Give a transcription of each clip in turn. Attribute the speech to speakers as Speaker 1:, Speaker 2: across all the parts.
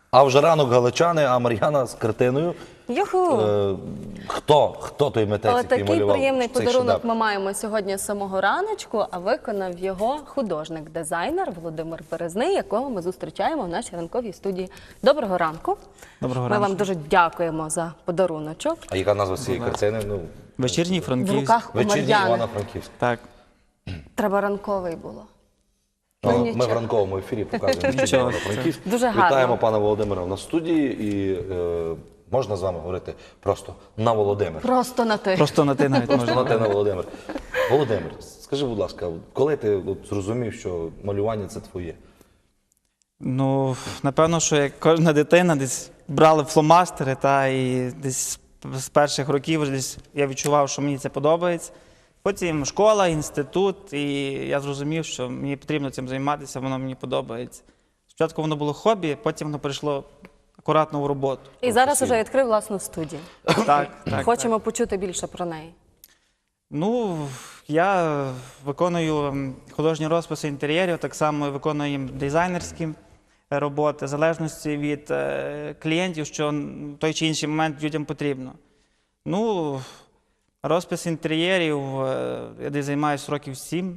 Speaker 1: А вже ранок галичани, а Мар'яна з картиною.
Speaker 2: Юху!
Speaker 1: Хто той митець, який
Speaker 2: Такий
Speaker 1: малював
Speaker 2: приємний
Speaker 1: цей
Speaker 2: подарунок
Speaker 1: шедевр?
Speaker 2: ми маємо сьогодні з самого раночку, а виконав його художник-дизайнер Володимир Березний, якого ми зустрічаємо в нашій ранковій студії. Доброго ранку.
Speaker 3: Доброго
Speaker 2: Ми
Speaker 3: ранку.
Speaker 2: вам дуже дякуємо за подаруночок.
Speaker 1: А яка назва цієї картини? Ну,
Speaker 3: Вечірній
Speaker 2: В
Speaker 3: Франківськ.
Speaker 2: руках у
Speaker 1: «Вечірній
Speaker 2: Мар'яни.
Speaker 1: Івано-Франківськ».
Speaker 3: Так.
Speaker 2: Треба ранковий було.
Speaker 1: Ми
Speaker 2: нічого.
Speaker 1: в ранковому ефірі показуємо «Вечірній
Speaker 3: Нічого.
Speaker 1: Івано-Франківськ».
Speaker 2: Дуже гарно.
Speaker 1: Вітаємо пана Володимира на студії і можна з вами говорити просто на Володимир.
Speaker 2: Просто на ти.
Speaker 3: Просто на ти навіть
Speaker 1: Просто
Speaker 3: можна.
Speaker 1: на те на Володимир. Володимир, скажи, будь ласка, коли ти зрозумів, що малювання – це твоє?
Speaker 3: Ну, напевно, що як кожна дитина десь брали фломастери, і десь з перших років вже десь я відчував, що мені це подобається. Потім школа, інститут, і я зрозумів, що мені потрібно цим займатися, воно мені подобається. Спочатку воно було хобі, потім воно перейшло акуратно в роботу.
Speaker 2: І зараз вже відкрив власну студію.
Speaker 3: Так.
Speaker 2: Хочемо почути більше про неї.
Speaker 3: Ну, я виконую художні розписи інтер'єрів, так само виконую дизайнерські роботи, в залежності від клієнтів, що в той чи інший момент людям потрібно. Ну, розпис інтер'єрів, я десь займаюся років 7.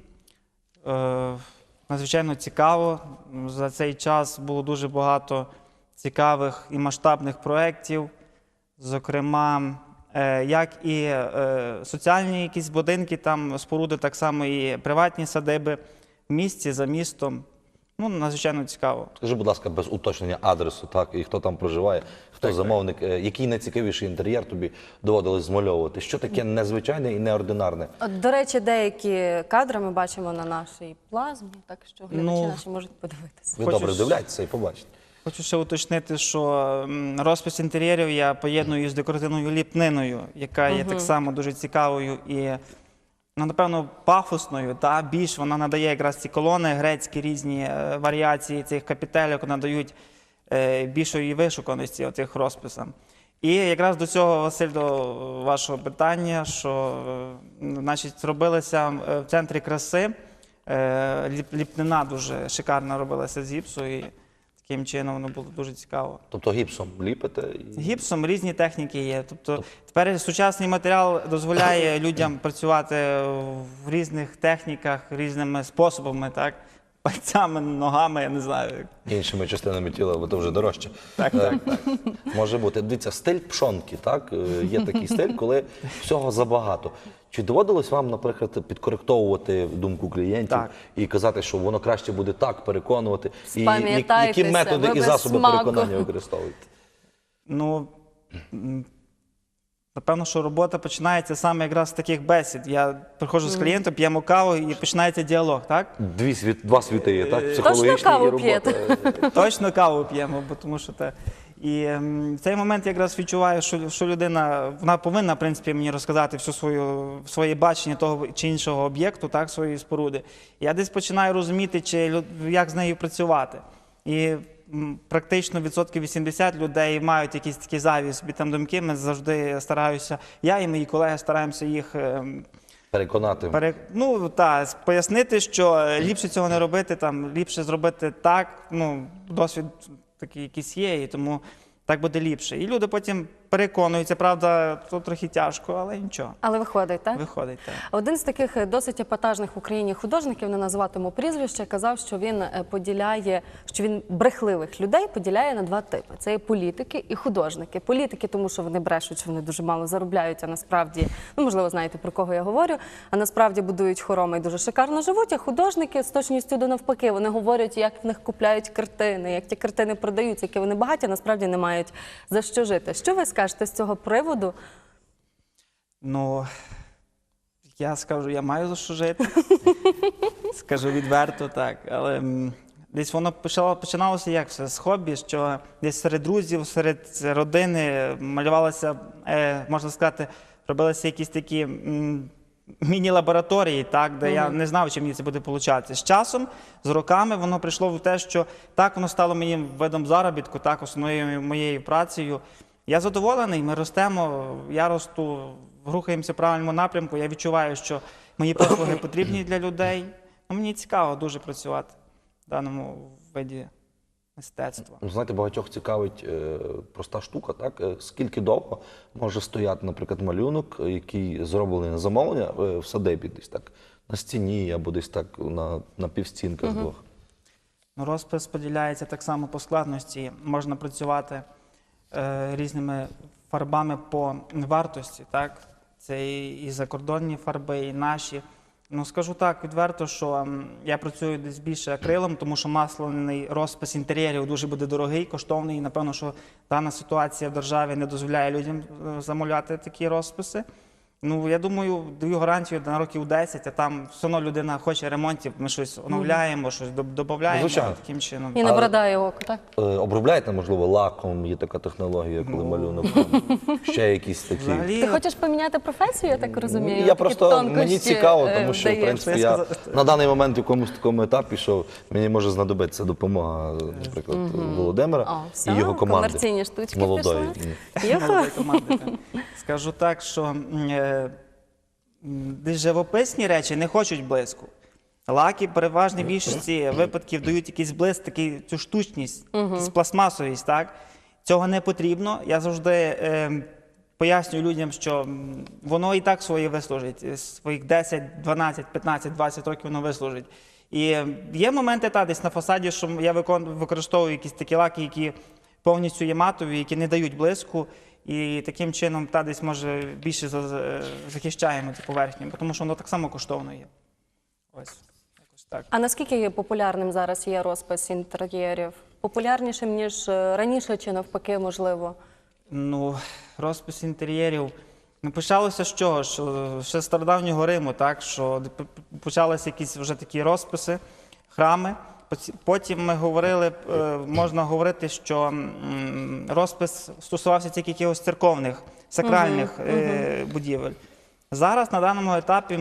Speaker 3: Надзвичайно цікаво. За цей час було дуже багато цікавих і масштабних проєктів, зокрема, як і соціальні якісь будинки, там споруди, так само і приватні садиби в місті, за містом. Ну, надзвичайно цікаво.
Speaker 1: Скажи, будь ласка, без уточнення адресу, так, і хто там проживає, хто замовник, який найцікавіший інтер'єр тобі доводилось змальовувати? Що таке незвичайне і неординарне?
Speaker 2: От, до речі, деякі кадри ми бачимо на нашій плазмі, так що глядачі наші можуть подивитися.
Speaker 1: Ви
Speaker 3: Хочу
Speaker 1: добре вдивляєтеся і побачите.
Speaker 3: Хочу ще уточнити, що розпис інтер'єрів я поєдную з декоративною ліпниною, яка є так само дуже цікавою і, ну, напевно, пафосною. Більш вона надає якраз ці колони, грецькі різні варіації цих капітельок надають більшої вишуканості цих розписам. І якраз до цього, Василь, до вашого питання, що, значить, робилися в центрі краси, ліпнина дуже шикарно робилася з гіпсу, і таким чином воно було дуже цікаво.
Speaker 1: Тобто гіпсом ліпите?
Speaker 3: Гіпсом різні техніки є. Тобто тепер сучасний матеріал дозволяє людям працювати в різних техніках, різними способами, так? Пальцями, ногами, я не знаю.
Speaker 1: Іншими частинами тіла, бо то вже дорожче.
Speaker 3: Так.
Speaker 1: Може бути. Дивіться, стиль пшонки, так? Є такий стиль, коли всього забагато. Чи доводилось вам, наприклад, підкоректовувати думку клієнтів і казати, що воно краще буде так, переконувати? І які методи і засоби переконання використовуєте?
Speaker 3: Ну, напевно, що робота починається саме якраз з таких бесід. Я приходжу з клієнтом, п'ємо каву і починається діалог, так?
Speaker 1: Два світи є, так?
Speaker 2: Точно
Speaker 1: Психологічний і
Speaker 2: каву
Speaker 1: робота.
Speaker 2: п'єте?
Speaker 3: Точно каву п'ємо, бо тому що те. І в цей момент я якраз відчуваю, що людина, вона повинна, в принципі, мені розказати своє бачення того чи іншого об'єкту, так, своєї споруди. Я десь починаю розуміти, як з нею працювати. І практично 80% людей мають якісь такі зайві собі там думки. Ми завжди стараюся, я і мої колеги стараємося їх
Speaker 1: Переконати.
Speaker 3: Ну, пояснити, що ліпше цього не робити, там, ліпше зробити так, ну, досвід такий якийсь є, і тому так буде ліпше. І люди потім переконуються, правда, то трохи тяжко, але нічого.
Speaker 2: Але виходить, так?
Speaker 3: Виходить, так.
Speaker 2: Один з таких досить епатажних в Україні художників, не називатиму прізвище, казав, що він поділяє, що він брехливих людей поділяє на два типи. Це є політики і художники. Політики, тому що вони брешуть, що вони дуже мало заробляють, а насправді, ну, можливо, знаєте, про кого я говорю, а насправді будують хороми і дуже шикарно живуть, а художники з точністю до навпаки, вони говорять, як в них купляють картини, як ті картини продаються, які вони багаті, а насправді не мають за що жити. Що ви скажете з цього приводу?
Speaker 3: Ну, я скажу, я маю за що жити. Скажу відверто, так. Але десь воно починалося як все, з хобі, що десь серед друзів, серед родини малювалося, можна сказати, робилися якісь такі міні-лабораторії, так, де я не знав, чим мені це буде получатися. З часом, з роками воно прийшло в те, що так воно стало моїм видом заробітку, так, основною моєю працею. Я задоволений, ми ростемо, я росту, рухаємося в правильному напрямку, я відчуваю, що мої послуги потрібні для людей. Ну, мені цікаво дуже працювати в даному виді мистецтва.
Speaker 1: Знаєте, багатьох цікавить проста штука, так? Скільки довго може стояти, наприклад, малюнок, який зроблений на замовлення в садибі, десь так на стіні або десь так на півстінках двох?
Speaker 3: Ну, розпис поділяється так само по складності. Можна працювати різними фарбами по вартості, так? Це і закордонні фарби, і наші. Ну, скажу так відверто, що я працюю десь більше акрилом, тому що масляний розпис інтер'єрів дуже буде дорогий, коштовний. І, напевно, що дана ситуація в державі не дозволяє людям замовляти такі розписи. Ну, я думаю, даю гарантію на років 10, а там все одно людина хоче ремонтів, ми щось оновляємо, щось додаємо
Speaker 1: Звичайно.
Speaker 3: таким чином.
Speaker 2: І не брадає око, так?
Speaker 1: Обробляєте, можливо, лаком, є така технологія, коли малюнок, ще якісь такі.
Speaker 3: Взагалі,
Speaker 2: Ти хочеш поміняти професію, я так розумію?
Speaker 1: Я
Speaker 2: Такі
Speaker 1: просто, мені
Speaker 2: тонкощі,
Speaker 1: цікаво, тому що, в
Speaker 2: вдаєш.
Speaker 1: принципі, я на даний момент в якомусь такому етапі, що мені може знадобитися допомога, наприклад, Володимира
Speaker 2: О,
Speaker 1: і
Speaker 2: все,
Speaker 1: його команди.
Speaker 2: комерційні штучки
Speaker 1: Молодої.
Speaker 2: пішли. Юху.
Speaker 3: молодої команди. Скажу так, що десь живописні речі не хочуть блиску. Лаки в переважній більшості випадків дають якийсь блиск, цю штучність, якусь пластмасовість, так? Цього не потрібно. Я завжди пояснюю людям, що воно і так своє вислужить. Своїх 10, 12, 15, 20 років воно вислужить. І є моменти десь на фасаді, що я використовую якісь такі лаки, які повністю є матові, які не дають блиску. І таким чином десь може більше захищаємо цю поверхню, тому що воно так само коштовно є. Ось, якось так.
Speaker 2: А наскільки популярним зараз є розпис інтер'єрів? Популярнішим, ніж раніше, чи навпаки, можливо?
Speaker 3: Ну, розпис інтер'єрів. Ну, почалося з чого? Що ще з стародавнього Риму, так? Що почалися якісь вже такі розписи, храми. Потім ми говорили, можна говорити, що розпис стосувався тільки якихось церковних, сакральних будівель. Зараз на даному етапі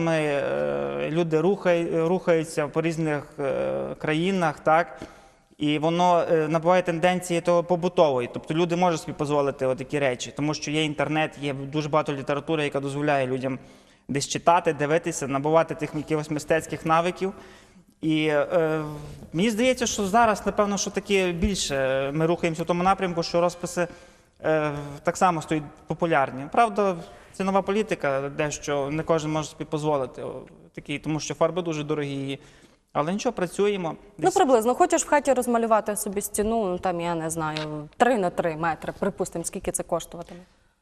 Speaker 3: люди рухаються по різних країнах, так? І воно набуває тенденції того побутової. Тобто люди можуть собі дозволити такі речі, тому що є інтернет, є дуже багато літератури, яка дозволяє людям десь читати, дивитися, набувати тих якихось мистецьких навиків. І мені здається, що зараз, напевно, що таке більше ми рухаємося в тому напрямку, що розписи так само стають популярні. Правда, це нова політика, дещо не кожен може собі дозволити, тому що фарби дуже дорогі. Але нічого, працюємо.
Speaker 2: Ну, приблизно. Хочеш в хаті розмалювати собі стіну, ну, там, я не знаю, 3 на 3 метри, припустимо, скільки це коштуватиме?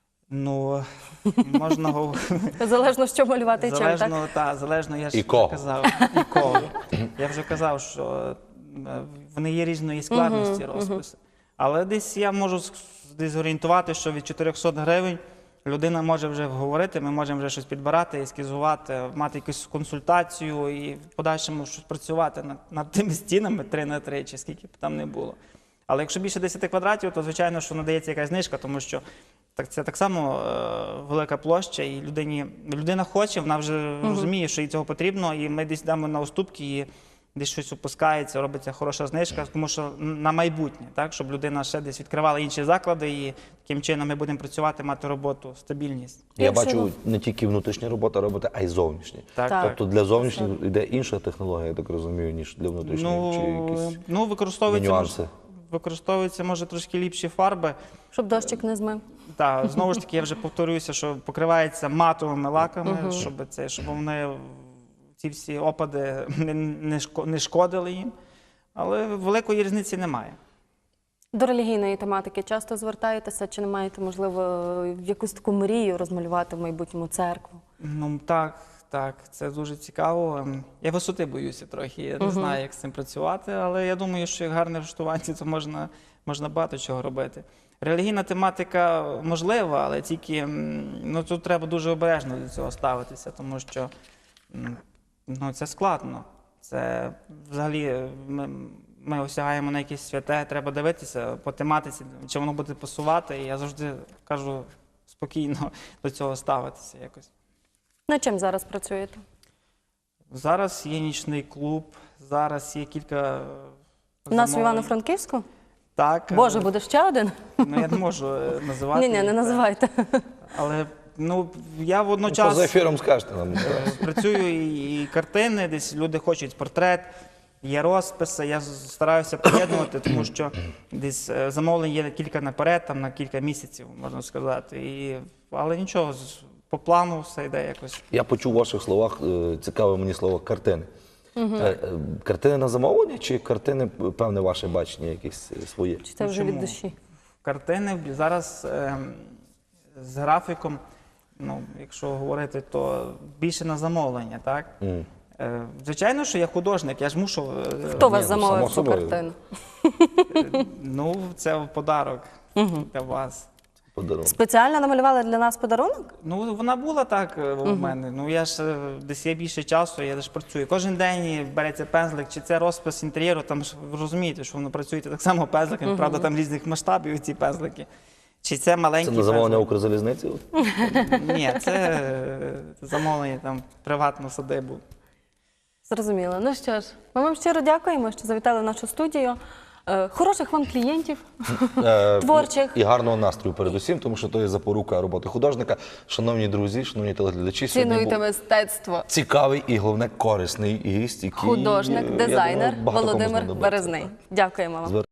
Speaker 3: Ну, можна говорити.
Speaker 2: Залежно, що малювати і чим, так?
Speaker 3: Залежно, я ж
Speaker 1: І кого.
Speaker 3: казав. І кого. Я вже казав, що вони є різної складності розписи. Але десь я можу зорієнтувати, що від 400 гривень людина може вже говорити, ми можемо вже щось підбирати, ескізувати, мати якусь консультацію і в подальшому щось працювати над тими стінами 3 на 3, чи скільки б там не було. Але якщо більше 10 квадратів, то, звичайно, що надається якась знижка, тому що це так само велика площа, і людина хоче, вона вже розуміє, що їй цього потрібно, і ми десь дамо на уступки, і десь щось опускається, робиться хороша знижка, тому що на майбутнє, так, щоб людина ще десь відкривала інші заклади, і таким чином ми будемо працювати, мати роботу, стабільність.
Speaker 1: Я бачу не тільки внутрішня робота робити, а й зовнішня.
Speaker 3: Так.
Speaker 1: Тобто для зовнішніх йде інша технологія, я так розумію, ніж для внутрішніх, чи якісь нюанси.
Speaker 3: Використовуються, може, трошки ліпші фарби.
Speaker 2: Щоб дощик не змив.
Speaker 3: Так, знову ж таки, я вже повторююся, що покривається матовими лаками, щоб вони, ці всі опади не шкодили їм. Але великої різниці немає.
Speaker 2: До релігійної тематики часто звертаєтеся, чи не маєте, можливо, якусь таку мрію розмалювати в майбутньому церкву?
Speaker 3: Ну, так, це дуже цікаво. Я висоти боюся трохи, я не знаю, як з цим працювати, але я думаю, що як гарне влаштування, то можна багато чого робити. Релігійна тематика можлива, але тільки тут треба дуже обережно до цього ставитися, тому що це складно. Це взагалі ми осягаємо на якесь святе, треба дивитися по тематиці, чи воно буде пасувати, і я завжди кажу спокійно до цього ставитися якось.
Speaker 2: Над чим зараз працюєте?
Speaker 3: Зараз є нічний клуб, зараз є кілька
Speaker 2: У нас в Івано-Франківську?
Speaker 3: Так.
Speaker 2: Боже, буде ще один?
Speaker 3: Ну, я не можу називати.
Speaker 2: Ні, не називайте.
Speaker 3: Але я водночас
Speaker 1: Поза ефіром скажете нам.
Speaker 3: працюю і картини, десь люди хочуть портрет, є розписи, я стараюся поєднувати, тому що десь замовлень є кілька наперед, там на кілька місяців, можна сказати. Але нічого, по плану все йде якось.
Speaker 1: Я почув у ваших словах, цікаве мені слово картини. Картини на замовлення чи картини, певне, ваше бачення якесь своє?
Speaker 2: Чи це вже від
Speaker 3: Чому?
Speaker 2: душі?
Speaker 3: Картини зараз з графіком, ну, якщо говорити, то більше на замовлення, так? Звичайно, що я художник, я ж мушу.
Speaker 2: Хто вас
Speaker 1: ну,
Speaker 2: замовив
Speaker 1: само
Speaker 2: цю
Speaker 1: собою.
Speaker 2: картину?
Speaker 3: Ну, це в подарок для вас.
Speaker 1: Подарунок.
Speaker 2: Спеціально намалювали для нас подарунок?
Speaker 3: Ну, вона була так у мене. Ну, я ж десь є більше часу, я ж працюю. Кожен день береться пензлик, чи це розпис інтер'єру, там ж ви розумієте, що воно працюєте так само пензликами, правда, там різних масштабів ці пензлики. Чи це
Speaker 1: Це
Speaker 3: маленький
Speaker 1: на замовлення
Speaker 3: пензлик?
Speaker 1: Укрзалізниці?
Speaker 3: Ні, це замовлення там приватну садибу.
Speaker 2: Зрозуміло. Ну що ж, ми вам щиро дякуємо, що завітали в нашу студію. Хороших вам клієнтів, творчих.
Speaker 1: І гарного настрою передусім, тому що то є запорука роботи художника. Шановні друзі, шановні телеглядачі, сьогодні
Speaker 2: Цінуйте
Speaker 1: був
Speaker 2: мистецтво.
Speaker 1: цікавий і, головне, корисний гість, який,
Speaker 2: Художник,
Speaker 1: я
Speaker 2: дизайнер
Speaker 1: думаю, багато кому
Speaker 2: Володимир
Speaker 1: знадобиться.
Speaker 2: Березний. Дякуємо вам.